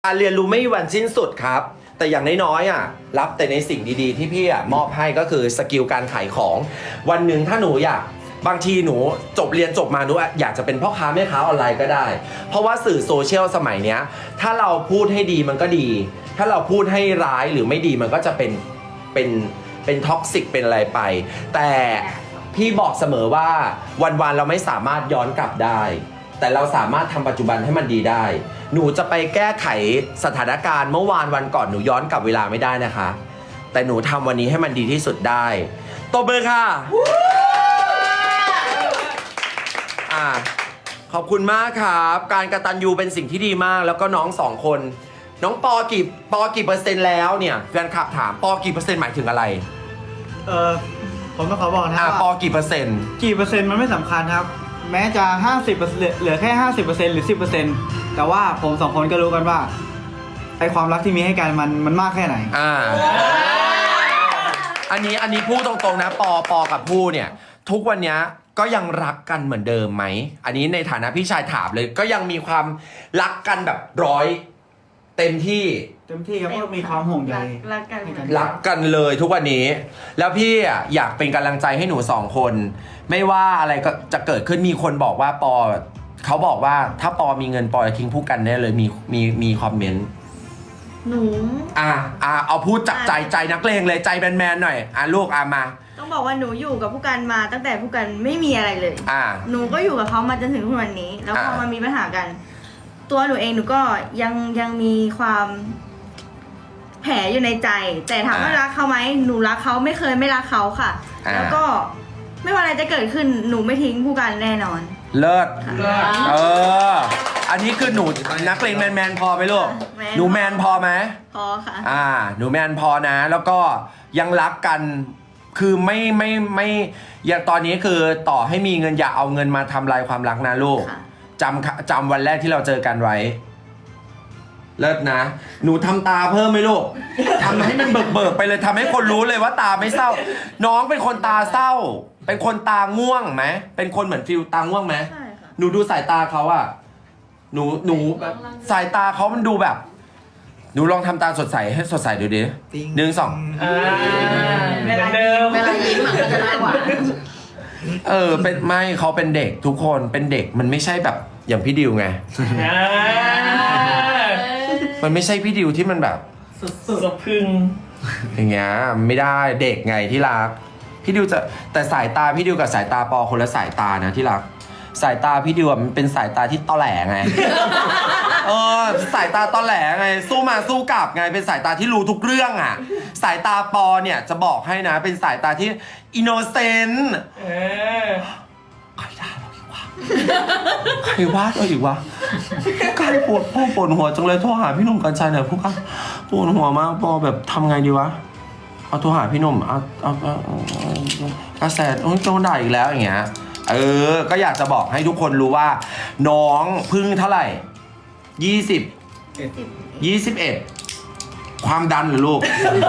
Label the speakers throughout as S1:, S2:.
S1: การเรียนรู้ไม่มีวันสิ้นสุดครับแต่อย่างน้อยๆรับแต่ในสิ่งดีๆที่พี่มอบให้ก็คือสกิลการขายของวันหนึ่งถ้าหนูอยากบางทีหนูเรียนจบมาหนูอยากจะเป็นพ่อค้าแม่ค้าออนไลน์ก็ได้เพราะว่าสื่อโซเชียลสมัยเนี้ยถ้าเราพูดให้ดีมันก็ดี ถ้าเราพูดให้ร้ายหรือไม่ดีมันก็จะเป็นท็อกซิกเป็นอะไรไปแต่พี่บอกเสมอว่าวันๆเราไม่สามารถย้อนกลับได้แต่เราสามารถทำปัจจุบันให้มันดีได้หนูจะไปแก้ไขสถานการณ์เมื่อวานวันก่อนหนูย้อนกลับเวลาไม่ได้นะคะแต่หนูทำวันนี้ให้มันดีที่สุดได้ตบมือค่ะขอบคุณมากครับการกตัญญูเป็นสิ่งที่ดีมากแล้วก็น้องสองคนน้องปอกี่เปอร์เซ็นต์แล้วเนี่ยแฟนคลับถามปอกี่เปอร์เซ็นต์หมายถึงอะไร
S2: ผมต้องขอบอกนะว่า
S1: ปอกี่เปอร์เซ็นต์
S2: มันไม่สำคัญครับแม้จะ50%เหลือแค่50%หรือ10%แต่ว่าผมสองคนก็รู้กันว่าไอความรักที่มีให้กันมันมากแค่ไหน
S1: อันนี้พูดตรงๆนะปอกับผู้เนี่ยทุกวันนี้ก็ยังรักกันเหมือนเดิมไหมอันนี้ในฐานะพี่ชายถามเลยก็ยังมีความรักกันแบบ100เต็มที่
S2: ครับก็มีความห่วงใย
S1: รักกันเลยทุกวันนี้แล้วพี่อยากเป็นกำลังใจให้หนูสองคนไม่ว่าอะไรก็จะเกิดขึ้นมีคนบอกว่าปอเขาบอกว่าถ้าปอมีเงินปอจะทิ้งผู้กันแน่เลยมีคอมเมนต์
S3: หนู
S1: เอาพูดจากใจนักเลงเลยใจแมนๆหน่อยลูกมา
S3: ต้องบอกว่าหนูอยู่กับผู้กันมาตั้งแต่ผู้กันไม่มีอะไรเลยหนูก็อยู่กับเขามาจนถึงทุกวันนี้แล้วพอมามีปัญหากันตัวหนูเองหนูก็ยังมีความแผลอยู่ในใจแต่ถามว่ารักเขาไหมหนูรักเขาไม่เคยไม่รักเขาค่ะแล้วก็ไม่ว่าอะไรจะเกิดขึ้นหนูไม่ทิ้งผู้กันแน่นอน
S1: เลิศอันนี้คือหนูนักเลงแมนพอไหมลูกหนูแมนพอไหม
S3: พอค่ะ
S1: หนูแมนพอนะแล้วก็ยังรักกันคือไม่อย่างตอนนี้คือต่อให้มีเงินอย่าเอาเงินมาทำลายความรักนะลูกจำวันแรกที่เราเจอกันไว้เลิศนะหนูทำตาเพิ่มไหมลูกทำให้มันเบิกไปเลยทำให้คนรู้เลยว่าตาไม่เศร้าน้องเป็นคนตาเศร้าเป็นคนตาง่วงไหมเป็นคนเหมือนฟิลตาง่วงไหม
S3: ใช่ค่ะ
S1: หนูดูสายตาเขาหนูสายตาเขามันดูแบบหนูลองทำตาสดใสให้สดใสดูดิ1 2
S3: เวลายิ้มมันจะน่าหวาน
S1: เป็นไม่เขาเป็นเด็กทุกคนเป็นเด็กมันไม่ใช่แบบอย่างพี่ดิวไงมันไม่ใช่พี่ดิวที่มันแบบ
S2: สุดพึ่ง
S1: อย่างเงี้ยไม่ได้เด็กไงที่รักพี่ดิวจะแต่สายตาพี่ดิวกับสายตาปอคนละสายตานะที่รักสายตาพี่ดิวมันเป็นสายตาที่ตอแหลไงสายตาตอแหลไงสู้มาสู้กลับไงเป็นสายตาที่รู้ทุกเรื่องสายตาปอเนี่ยจะบอกให้นะเป็นสายตาที่อินโนเซนต์ใครด่าเราอีกวะใครว่าเราอีกวะการปวดหัวจังเลยโทรหาพี่หนุ่มกัญชัยหน่อยพวกกันปวดหัวมากปอแบบทำไงดีวะเอาโทรหาพี่หนุ่มเอากระแสต้องด่าอีกแล้วอย่างเงี้ยก็อยากจะบอกให้ทุกคนรู้ว่าน้องพึ่งเท่าไหร่21ความดันหรือลูก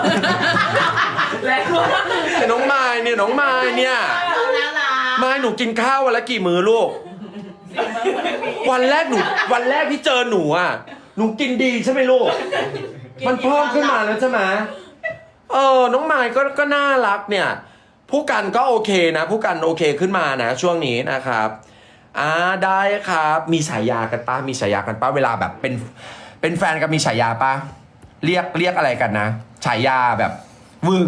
S1: น้องไม้เนี่ยไม้หนูกินข้าววันละกี่มื้อลูกวันแรกที่เจอหนูหนูกินดีใช่ไหมลูกมันเพิ่มขึ้นมาแล้วใช่ไหมน้องไม้ก็น่ารักเนี่ยผู้กันก็โอเคนะผู้กันโอเคขึ้นมานะช่วงนี้นะครับได้ครับมีฉายากันป้าเวลาแบบเป็นแฟนกันมีฉายาป้าเรียกอะไรกันนะฉายาแบบวึง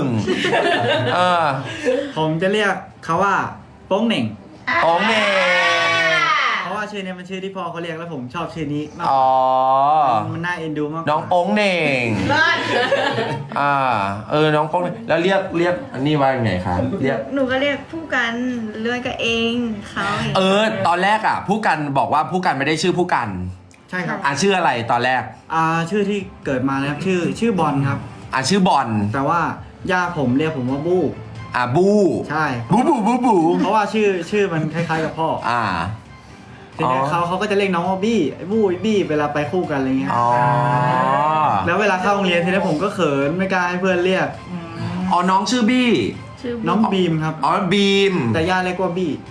S2: ผมจะเรียกเขาว่าโป้งเหน่งเพราะว่าชื่อนี้มันชื่อที่พ่อเขาเรียกแล้วผมชอบชื่อนี้มากมันน่าเอ็นดูมาก
S1: น้องโป้งเหน่งน้องโป้งแล้วเรียกอันนี้ว่าไงครับ
S3: หนูก็เรียกผู้กันเลื่อนกับเองเขา
S1: ตอนแรกผู้กันบอกว่าผู้กันไม่ได้ชื่อผู้กัน
S2: ใช่ครับ
S1: ชื่ออะไรตอนแรก
S2: ชื่อที่เกิดมาแล้วชื่อบอลครับ
S1: ชื่อบอล
S2: แต่ว่าย่าผมเรียกผมว่าบู
S1: บู
S2: ใช่
S1: บู
S2: เพราะว่าชื่อมันคล้ายๆกับพ่อทีนี้เขาก็จะเรียกน้องว่าบี้ไอ้บี้เวลาไปคู่กันอะไรเงี้ยแล้วเวลาเข้าโรงเรียนทีนี้ผมก็เขินไม่กล้าให้เพื่อนเรียก
S1: น้องชื่อบี้
S2: น้องบีมครับ
S1: บีม
S2: แต่ย่าเรียกว่าบี้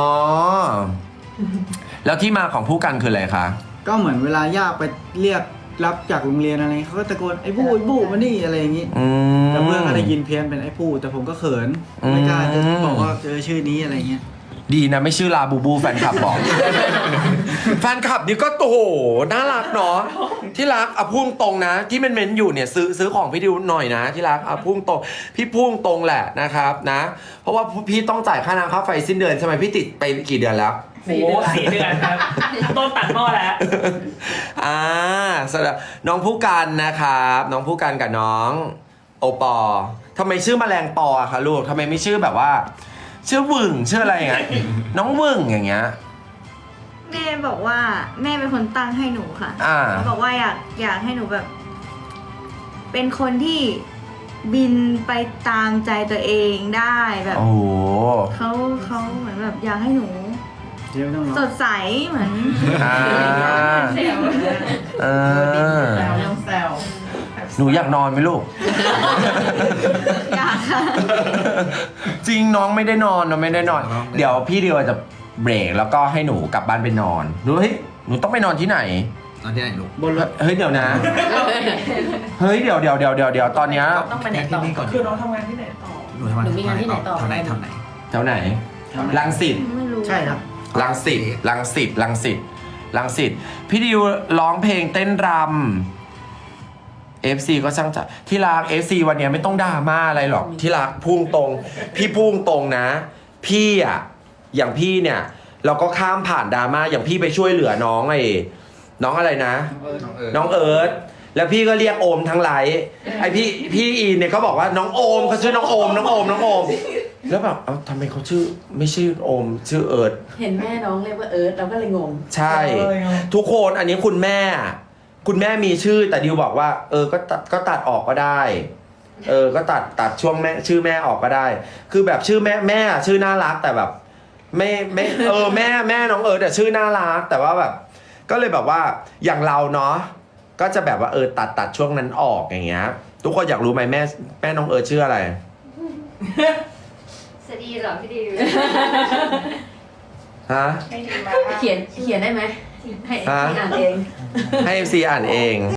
S1: แล้วที่มาของผู้กันคืออะไรคะ
S2: ก็เหมือนเวลาย่าไปเรียกรับจากโรงเรียนอะไรเขาก็ตะโกนไอ้บู้ไอ้บู้มานี่อะไรอย่างงี้แต่เพื่อนก็ได้ยินเพี้ยนเป็นไอ้ผู้แต่ผมก็เขินไม่กล้าจะบอกว่าชื่อนี้อะไรเงี้ย
S1: ดีนะไม่ชื่อลาบูบูแฟนคลับบอก แฟนคลับนี่ก็โอ้โหน่ารักเนาะที่รักเอาพุ่งตรงนะ ที่มันเม้นอยู่เนี่ยซื้อของพี่ดิวหน่อยนะที่รักเอาพุ่งตรงพี่พุ่งตรงแหละนะครับนะ เพราะว่าพี่ต้องจ่ายค่าน้ำค่าไฟสิ้นเดือนใช่ไหมพี่ติดไปกี่เดือนแล้ว
S4: 4 เดือนครับต้นตัดหม้อแล้ว
S1: สำหรับน้องผู้กันนะครับน้องผู้กันกับน้องโอปอทำไมชื่อแมลงปออะคะลูกทำไมไม่ชื่อแบบว่าชื่อวึ่งชื่ออะไรอย่างเงี้ยน้องวึ่งอย่างเงี้ย
S3: แม่บอกว่าแม่เป็นคนตั้งให้หนูค่ะบอกว่าอยากให้หนูแบบ เป็นคนที่บินไปตามใจตัวเองได้แบบ
S1: โอ้โห
S3: เขาเหมือนแบบอยากให้หนู สดใสเหมือน
S4: แซว
S1: หนูอยากนอนไหมลูก
S3: อยากค่ะ
S1: จริงน้องไม่ได้นอนเราไม่ได้นอน เดี๋ยวพี่เดียวจะเบรกแล้วก็ให้หนูกลับบ้านไปนอนหนูต้องไปนอนที่ไหน
S5: ตอนที่ไหนลูก
S2: บนรถ
S1: เฮ้ยเดี๋ยวนะ เฮ้ยเดี๋ยวตอนเนี้ย
S4: ต้องไปไหนต่อ
S5: ที่นี่ก่อน
S4: คือน้องทำงานที่ไหนต่อ
S5: หนูทำงาน
S6: หนูมีงานที่ไหนต่อ
S5: แถวไหน
S1: แถวไหนรังสิต
S3: ไม่รู้
S2: ใช่ครับ
S1: รังสิตพี่ดิวร้องเพลงเต้นรำ FC ก็ช่างจะที่รัก FC วันเนี้ยไม่ต้องดราม่าอะไรหรอกที่รักพุ่งตรงพี่พุ่งตรงนะ พี่อะอย่างพี่เนี่ยเราก็ข้ามผ่านดราม่าอย่างพี่ไปช่วยเหลือน้องน้องอะไรนะ น้องเอิร์ธแล้วพี่ก็เรียกโอมทั้งไลฟ์ไอพี่อีเนี่ยเขาบอกว่าน้องโอมเขาชื่อน้องโอมแล้วแบบเอ้าทำไมเขาชื่อไม่ชื่อโอมชื่อเอิร์ธ
S6: เห็นแม่น้องเรียกว่าเอิร์ธเราก็เลยงง
S1: ใช่ ทุกคนอันนี้คุณแม่มีชื่อแต่ดิวบอกว่าก็ตัดออกก็ได้ก็ตัดช่วงแม่ชื่อแม่ออกก็ได้ คือแบบชื่อแม่ชื่อน่ารักแต่แบบไม่แม่น้องแต่ชื่อน่ารักแต่ว่าแบบก็เลยแบบว่าอย่างเราเนาะก็จะแบบว่าตัดช่วงนั้นออกอย่างเงี้ยทุกคนอยากรู้ไหมแม่น้องชื่ออะไร
S3: สวัสดีเหรอพี่ดิว
S1: ฮะ
S6: เขียนได้ไหมให้อ่านเอง
S1: ให้ MC อ่านเอง